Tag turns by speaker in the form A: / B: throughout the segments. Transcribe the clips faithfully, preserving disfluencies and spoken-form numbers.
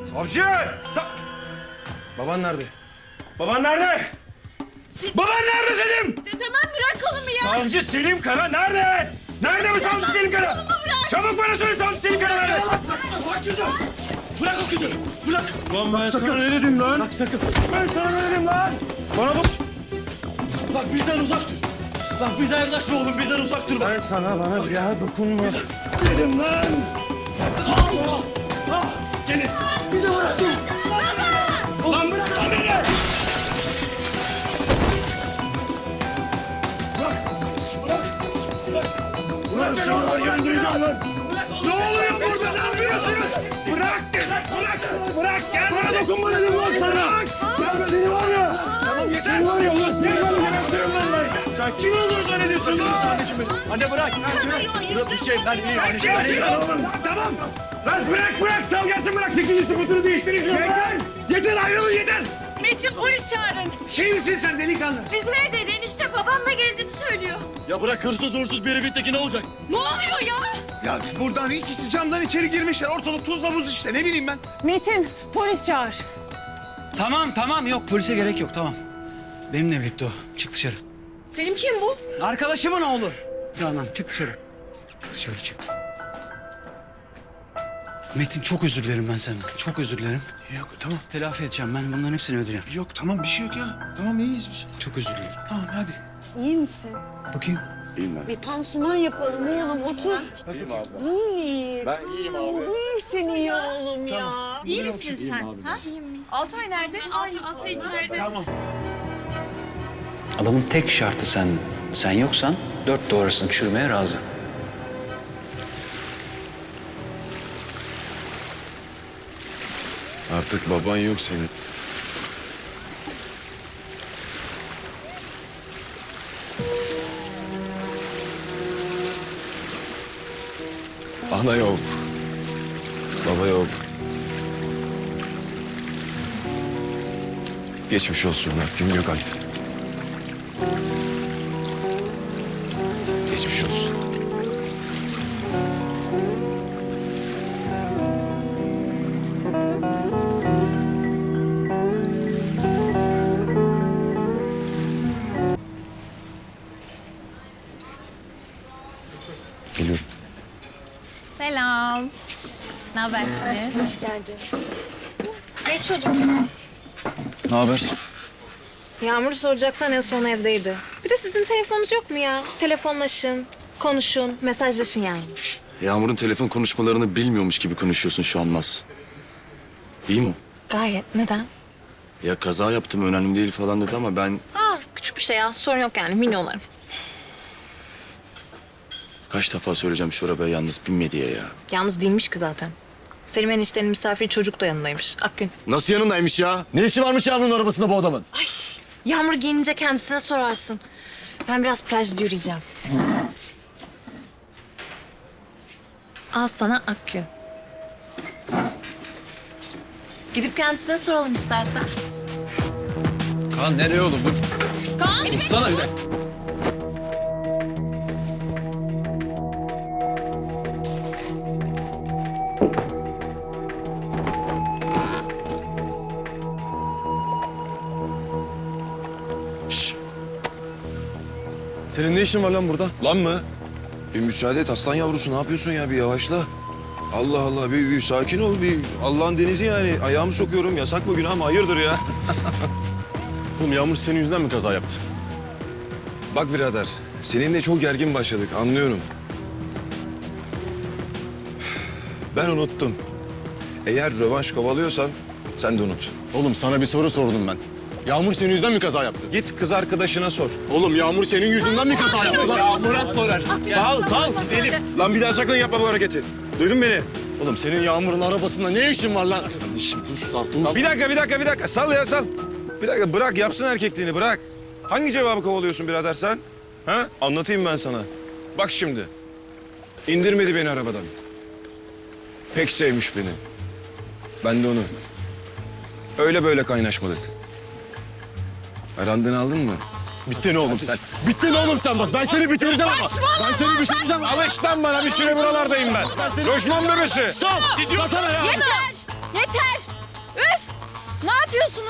A: Savcı! Sa Baban nerede? Baban nerede?
B: Sen...
A: Baban nerede Selim?
B: Tamam bırak kolumu ya.
A: Savcı Selim Kara nerede? Nerede bu savcı Selim Kara?
B: Kolumu bırak.
A: Çabuk bana söyle savcı Selim Kara nerede? Bırak kızı! Bırak o kızı! Bırak! Lan ben sana ne dedim lan? Bak sakın! Ben sana ne dedim lan? Bana dur!
C: Bak bizden uzak dur. Bak bize yaklaşma oğlum, bizden uzak dur.
A: Ben sana bana bir daha dokunma. Dedim lan! Allah! Ah! Seni!
C: Bize bırak dur.
B: Baba!
A: Ulan bırak lan beni! Bırak! Bırak! Bırak! Ulan seni var ya öldüreceğim lan! Ne oluyor burada? Ne yapıyorsunuz? Bırak! Bırak! Bırak! Gel bana dokunma dedim lan sana! Gel seni var ya! Tamam yeter! Seni var ya ulan seni var ya gebertirim lan ben! Sen kim olduğunu zannediyorsun lan? Anneciğim benim. Anne bırak!
C: Bırak bir şey, ben iyiyim.
A: Sen kimsin lan oğlum? Tamam! Lan bırak bırak! Sal gelsin bırak! Sekizinci sıfırını değiştirin şunu! Yeter! Yeter ayrılın yeter!
B: Metin polis çağırın.
A: Kimsin sen delikanlı?
B: Bizim evdeydi enişte babamla geldiğini söylüyor.
C: Ya bırak hırsız uğursuz bir evin teki ne olacak?
B: Ne oluyor ya?
D: Ya buradan ikisi camdan içeri girmişler. Ortalık tuzla buz işte ne bileyim ben.
E: Metin, polis çağır.
F: Tamam tamam yok polise gerek yok tamam. Benimle birlikte o. Çık dışarı.
B: Selim kim bu?
F: Arkadaşımın oğlu. Canan çık dışarı. Dışarı çık. Metin çok özür dilerim ben senden. Çok özür dilerim.
D: Yok tamam.
F: Telafi edeceğim ben bunların hepsini ödeyeceğim.
D: Yok tamam bir şey yok ya. Tamam iyiyiz biz.
F: Çok özür dilerim.
D: Tamam hadi.
E: İyi misin?
D: Bakayım.
E: Bir pansuman yapalım oğlum, otur.
D: Bakayım abi.
E: İyi.
D: Ben iyiyim abi.
E: İyisin iyi oğlum ya.
B: İyi misin sen? Ha? Altay nerede? Altay, Altay içeride.
D: Tamam.
F: Adamın tek şartı sen. Sen yoksan dört doğrasını çürümeye razı.
G: Artık baban yok senin. Ana yok. Baba yok. Geçmiş olsun Mert. Yok Alp. Geçmiş olsun. Geliyorum.
B: Selam. Ne habersiniz?
E: Hoş geldin.
B: Geç çocuk.
G: Ne haber?
H: Yağmur'u soracaksan en son evdeydi. Bir de sizin telefonunuz yok mu ya? Telefonlaşın, konuşun, mesajlaşın yani.
G: Yağmur'un telefon konuşmalarını bilmiyormuş gibi konuşuyorsun şu an Naz. İyi mi?
H: Gayet. Neden?
G: Ya kaza yaptım önemli değil falan dedi ama ben
H: Aa, küçük bir şey ya. Sorun yok yani. Minyonlarım.
G: kaç defa söyleyeceğim şu arabaya yalnız binme diye ya.
H: Yalnız değilmiş ki zaten. Selim eniştenin misafiri çocuk da yanındaymış. Akgün.
G: Nasıl yanındaymış ya?
C: Ne işi varmış Yağmur'un arabasında bu adamın?
H: Yağmur giyinince kendisine sorarsın. Ben biraz plajda yürüyeceğim. Al sana Akgün. Gidip kendisine soralım istersen.
G: Kaan nereye oğlum dur.
H: Kaan!
G: Sana bir dakika.
C: Senin ne işin var lan burada?
G: Lan mı? Bir müsaade et aslan yavrusu ne yapıyorsun ya bir yavaşla. Allah Allah bir, bir sakin ol bir Allah'ın denizi yani ayağımı sokuyorum yasak mı günah mı hayırdır ya.
C: Oğlum Yağmur senin yüzünden mi kaza yaptı?
G: Bak birader seninle çok gergin başladık anlıyorum. Ben unuttum. Eğer rövanş kovalıyorsan sen de unut.
C: Oğlum sana bir soru sordum ben. Yağmur senin yüzünden mi kaza yaptı?
G: Git kız arkadaşına sor.
C: Oğlum Yağmur senin yüzünden mi kaza yaptı? Lan Yağmur'a sorarız. Sal sal.
G: Lan bir daha sakın yapma bu hareketi. Duydun beni?
C: Oğlum senin Yağmur'un arabasında ne işin var lan? Kardeşim dur sal. Dur.
G: Bir dakika bir dakika bir dakika sal ya sal. Bir dakika bırak yapsın erkekliğini bırak. Hangi cevabı kovalıyorsun birader sen? Ha? Anlatayım ben sana. Bak şimdi. İndirmedi beni arabadan. Pek sevmiş beni. Ben de onu. Öyle böyle kaynaşmadık. Arandığını aldın mı?
C: Bittin oğlum sen. Bittin oğlum sen bak. Ben seni bitireceğim ama. Ben seni bitireceğim.
G: Alış lan bana bir süre buralardayım ben. Loşman bebesi.
C: Sal. Gidiyor sana ya.
B: Yeter! Yeter!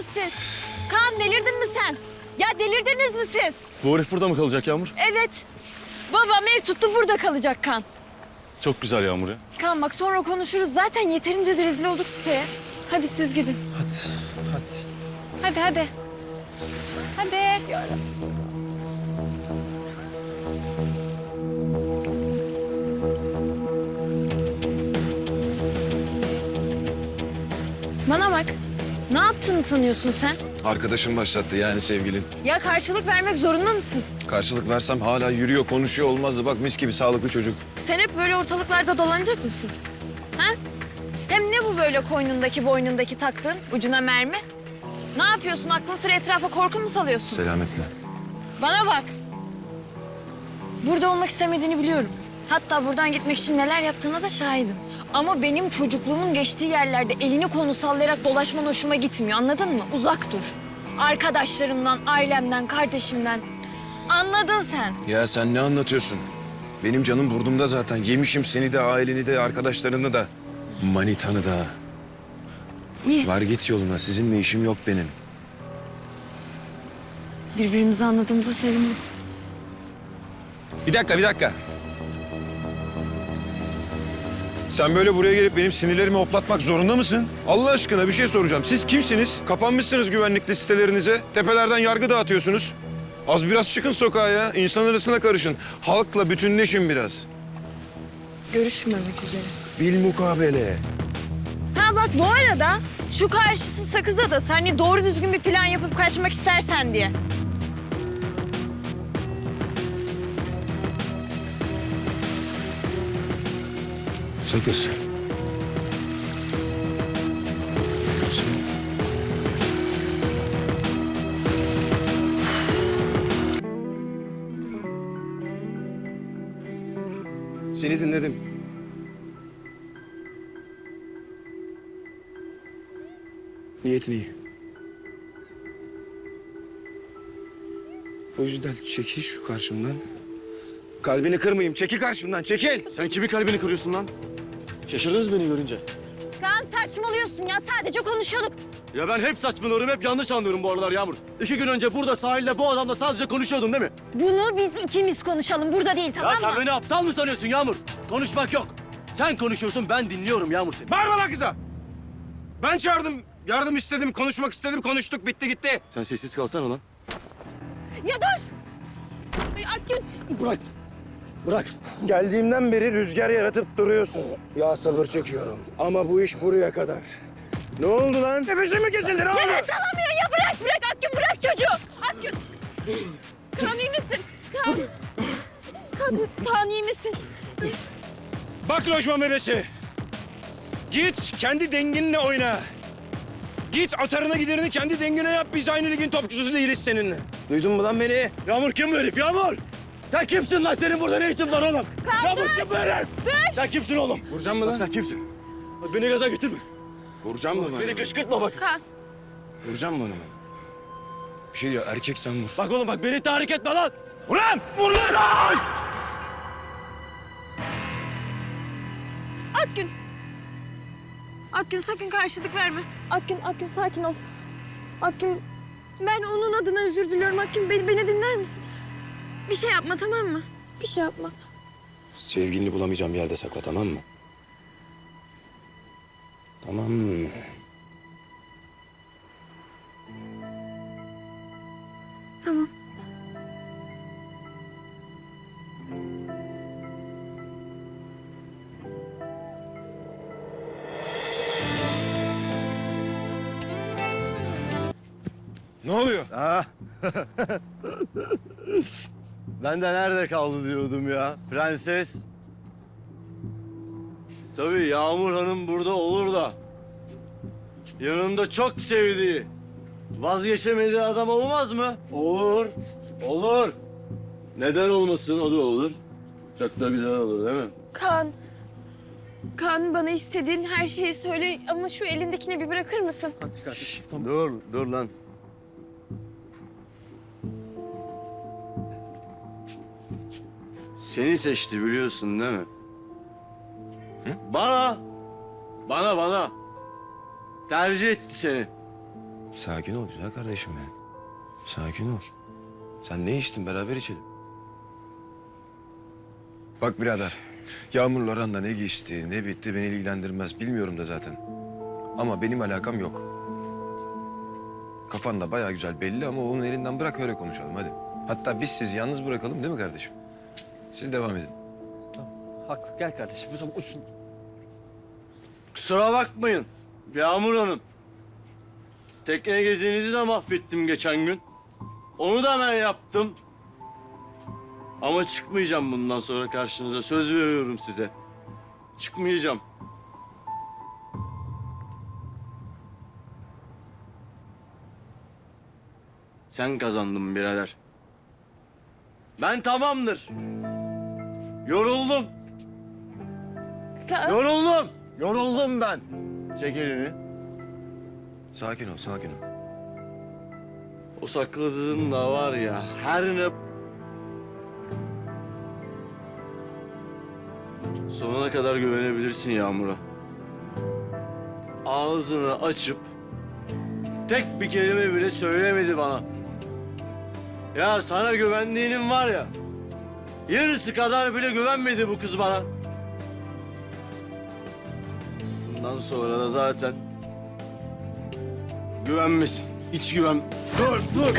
B: mısınız siz? Kaan delirdin mi sen? Ya delirdiniz mi siz?
C: Bu herif burada mı kalacak Yağmur?
B: Evet. Babam ev tuttu burada kalacak Kaan.
C: Çok güzel Yağmur ya.
B: Kaan bak sonra konuşuruz. Zaten yeterince de rezil olduk siteye. Hadi siz gidin.
F: Hadi, hadi.
B: Hadi hadi. Hadi. Bana bak. Ne yaptığını sanıyorsun sen?
G: Arkadaşım başlattı yani sevgilin.
B: Ya karşılık vermek zorunda mısın?
G: Karşılık versem hala yürüyor, konuşuyor olmazdı. Bak mis gibi sağlıklı çocuk.
B: Sen hep böyle ortalıklarda dolanacak mısın? Ha? Hem ne bu böyle koynundaki boynundaki taktığın ucuna mermi? Ne yapıyorsun? Aklın sıra etrafa korku mu salıyorsun?
G: Selametle.
B: Bana bak. Burada olmak istemediğini biliyorum. Hatta buradan gitmek için neler yaptığına da şahidim. Ama benim çocukluğumun geçtiği yerlerde elini kolunu sallayarak dolaşman hoşuma gitmiyor. Anladın mı? Uzak dur. Arkadaşlarımdan, ailemden, kardeşimden. Anladın sen.
G: Ya sen ne anlatıyorsun? Benim canım burnumda zaten. Yemişim seni de, aileni de, arkadaşlarını da. Manitanı da.
B: İyi.
G: Var git yoluna. Sizinle işim yok benim.
B: Birbirimizi anladığımıza sevindim.
G: Bir dakika, bir dakika. Sen böyle buraya gelip benim sinirlerimi hoplatmak zorunda mısın? Allah aşkına bir şey soracağım. Siz kimsiniz? Kapanmışsınız güvenlikli sitelerinize. Tepelerden yargı dağıtıyorsunuz. Az biraz çıkın sokağa ya. İnsan arasına karışın. Halkla bütünleşin biraz.
B: Görüşmemek üzere.
G: Bilmukabele.
B: Ha bak bu arada şu karşısı Sakız'a da hani doğru düzgün bir plan yapıp kaçmak istersen diye.
G: Sakız. Seni dinledim. Niyetin iyi. O yüzden çekil şu karşımdan. Kalbini kırmayayım. Çekil karşımdan, çekil.
C: Sen kimin kalbini kırıyorsun lan? Şaşırdınız beni görünce.
B: Kaan saçmalıyorsun ya sadece konuşuyorduk.
C: Ya ben hep saçmalıyorum, hep yanlış anlıyorum bu aralar Yağmur. İki gün önce burada sahilde bu adamla sadece konuşuyordun değil mi?
B: Bunu biz ikimiz konuşalım burada değil tamam
C: Ya sen
B: mı?
C: beni aptal mı sanıyorsun Yağmur? Konuşmak yok. Sen konuşuyorsun, ben dinliyorum Yağmur seni.
G: Bağırma lan kıza. Ben çağırdım, yardım istedim, konuşmak istedim, konuştuk, bitti gitti.
C: Sen sessiz kalsana lan.
B: Ya dur! Ay, Akgün!
C: Bırak. Bırak.
G: Geldiğimden beri rüzgar yaratıp duruyorsun. Ya sabır çekiyorum. Ama bu iş buraya kadar. Ne oldu lan? Nefesim mi kesildi? Ne oldu?
B: Nefes alamıyor ya bırak bırak Akgün bırak çocuğu! Akgün! Kaan iyi misin? Kaan! Kaan, Kaan iyi misin?
G: Bak lojman bebesi. Git kendi denginle oyna. Git atarına giderini kendi dengine yap. Biz aynı ligin topçusu değiliz seninle. Duydun mu lan beni?
C: Yağmur kim bu herif Yağmur? Sen kimsin lan? Senin burada ne işin var oğlum?
B: Kaan,
C: Yağmur
B: dur!
C: kim bu herif?
B: Dur!
C: Sen kimsin oğlum?
G: Vuracağım mı
C: Bak
G: lan?
C: sen kimsin? Bak beni gaza getirme.
G: Vuracağım mı
C: Beni
G: lan?
C: kışkırtma bak.
B: Kaan!
G: Vuracağım mı onu? Bir şey diyor, erkek sen vur.
C: Bak oğlum bak beni tahrik etme lan. Ulan! Vur lan!
B: Akgün! Akgün sakın karşılık verme. Akgün, Akgün sakin ol. Akgün, ben onun adına özür diliyorum. Akgün beni, beni dinler misin? Bir şey yapma tamam mı? Bir şey yapma.
G: Sevgilini bulamayacağım bir yerde sakla, tamam mı? Tamam mı?
B: Tamam.
G: Ne oluyor?
C: Ha? Ben de nerede kaldı diyordum ya. Prenses. Tabii Yağmur Hanım burada olur da. Yanında çok sevdiği, vazgeçemediği adam olmaz mı? Olur. Olur. Neden olmasın? O da olur. Çok da güzel olur değil mi?
B: Kaan, Kaan bana istediğin her şeyi söyle ama şu elindekini bir bırakır mısın?
C: Dur, dur lan. Seni seçti biliyorsun değil mi? Bana, bana, bana. Tercih etti seni.
G: Sakin ol güzel kardeşim ya. Sakin ol. Sen ne içtin beraber içelim. Bak birader. Yağmur'la aranda ne geçti, ne bitti beni ilgilendirmez. Bilmiyorum da zaten. Ama benim alakam yok. Kafan da bayağı güzel belli ama onun elinden bırak öyle konuşalım hadi. Hatta biz sizi yalnız bırakalım değil mi kardeşim? Siz devam edin.
I: Haklı. Gel kardeşim. O zaman uçsun.
C: Kusura bakmayın Yağmur Hanım. Tekne gezinizi de mahvettim geçen gün. Onu da ben yaptım. Ama çıkmayacağım bundan sonra karşınıza. Söz veriyorum size. Çıkmayacağım. Sen kazandın birader. Ben tamamdır. Yoruldum.
B: Ka-
C: Yoruldum. Yoruldum ben. Çek elini.
G: Sakin ol, sakin ol.
C: O sakladığın da var ya her ne... Sonuna kadar güvenebilirsin Yağmur'a. Ağzını açıp tek bir kelime bile söylemedi bana. Ya sana güvendiğinin var ya, yarısı kadar bile güvenmedi bu kız bana. Bundan sonra da zaten güvenmesin. Hiç güven... Dur, dur.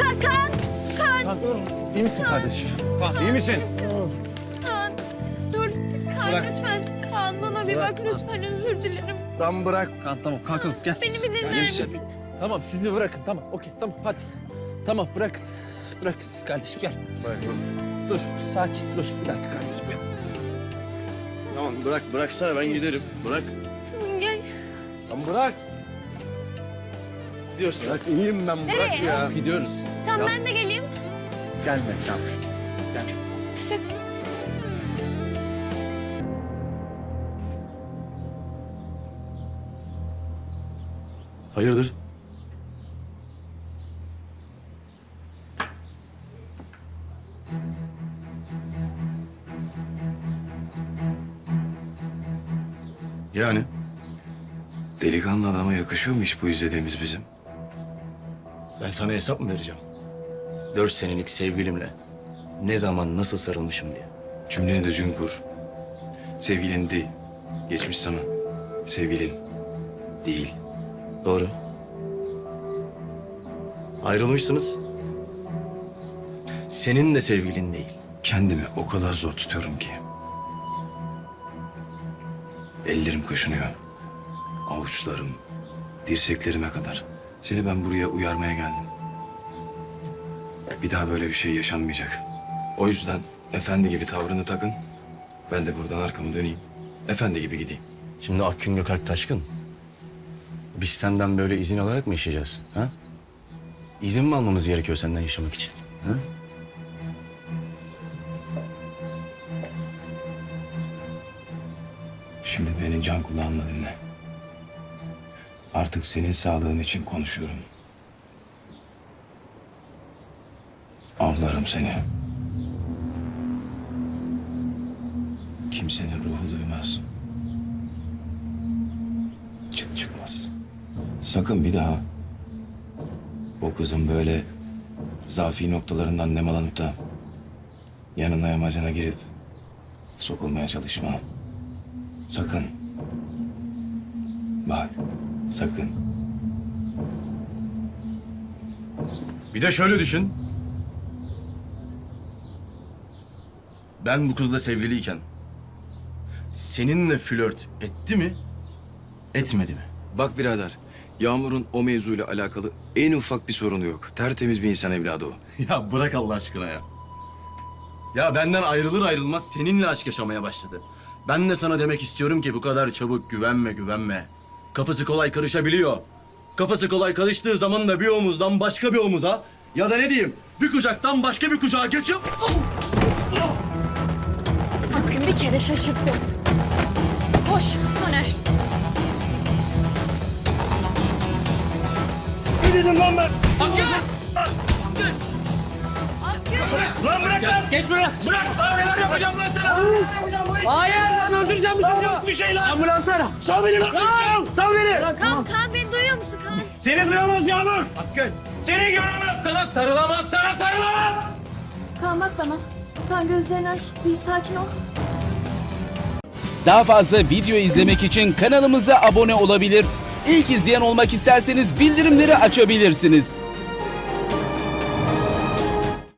I: İyi misin kardeşim?
G: İyi misin?
B: Kaan, dur. Kaan lütfen. Kaan bana bir bak lütfen, özür dilerim.
I: Tamam bırak. Kan tamam kalkalım gel.
B: Beni bir dinler misin?
I: Tamam siz bir bırakın tamam okey tamam hadi. Tamam bırakın. Bırakın siz kardeşim gel. Dur sakin dur bir dakika kardeşim gel.
C: Tamam bırak, bıraksana ben giderim. Bırak.
B: Gel.
C: Tamam bırak.
I: Gidiyorsun.
C: Bırak iyiyim ben, bırak
B: Nereye?
C: ya.
I: Biz gidiyoruz.
B: Tamam ben de geleyim.
I: Gelme tamam.
B: Teşekkür.
C: Hayırdır? Yani?
G: Delikanlı adama yakışıyor mu hiç bu izlediğimiz bizim?
J: Ben sana hesap mı vereceğim? Dört senelik sevgilimle ne zaman nasıl sarılmışım diye.
G: Cümleni düzgün kur. Sevgilin değil. Geçmiş zaman. Sevgilin değil.
J: Doğru. Ayrılmışsınız. Senin de sevgilin değil.
G: Kendimi o kadar zor tutuyorum ki. Ellerim kaşınıyor. Avuçlarım, dirseklerime kadar. Seni ben buraya uyarmaya geldim. Bir daha böyle bir şey yaşanmayacak. O yüzden efendi gibi tavrını takın. Ben de buradan arkamı döneyim. Efendi gibi gideyim.
J: Şimdi Akgün Gökalp Taşkın. Biz senden böyle izin alarak mı yaşayacağız? Ha? İzin mi almamız gerekiyor senden yaşamak için? Ha?
G: Şimdi beni can kulağımla dinle. Artık senin sağlığın için konuşuyorum. Avlarım seni. Kimsenin ruhu duymaz. Çıt çıkmaz. Sakın bir daha o kızın böyle zafi noktalarından nemalanıp da yanına yamacına girip sokulmaya çalışma. Sakın. Bak, sakın.
C: Bir de şöyle düşün. Ben bu kızla sevgiliyken seninle flört etti mi, etmedi mi?
G: Bak birader, Yağmur'un o mevzuyla alakalı en ufak bir sorunu yok. Tertemiz bir insan evladı o.
C: Ya bırak Allah aşkına ya. Ya benden ayrılır ayrılmaz seninle aşk yaşamaya başladı. Ben de sana demek istiyorum ki bu kadar çabuk güvenme güvenme. Kafası kolay karışabiliyor. Kafası kolay karıştığı zaman da bir omuzdan başka bir omuza ya da ne diyeyim bir kucaktan başka bir kucağa geçip...
B: Akgün bir kere şaşırttı. Koş Soner.
A: Ne dedim lan ben?
B: Akgün!
A: Lan bırak lan! Geç buraya! Bırak lan! Neler yapacağım lan sana? Hayır lan öldüreceğim bu çocuğu! Bir şey lan! Ambulans ara! Sal beni lan! Sal! Sal beni!
B: Kaan, Kaan beni duyuyor musun Kaan?
A: Seni duyamaz Yağmur. Hakkın. Seni göremez, sana sarılamaz, sana sarılamaz.
B: Kaan bak bana. Kaan gözlerini aç. Bir sakin ol.
K: Daha fazla video izlemek için kanalımıza abone olabilir. İlk izleyen olmak isterseniz bildirimleri açabilirsiniz.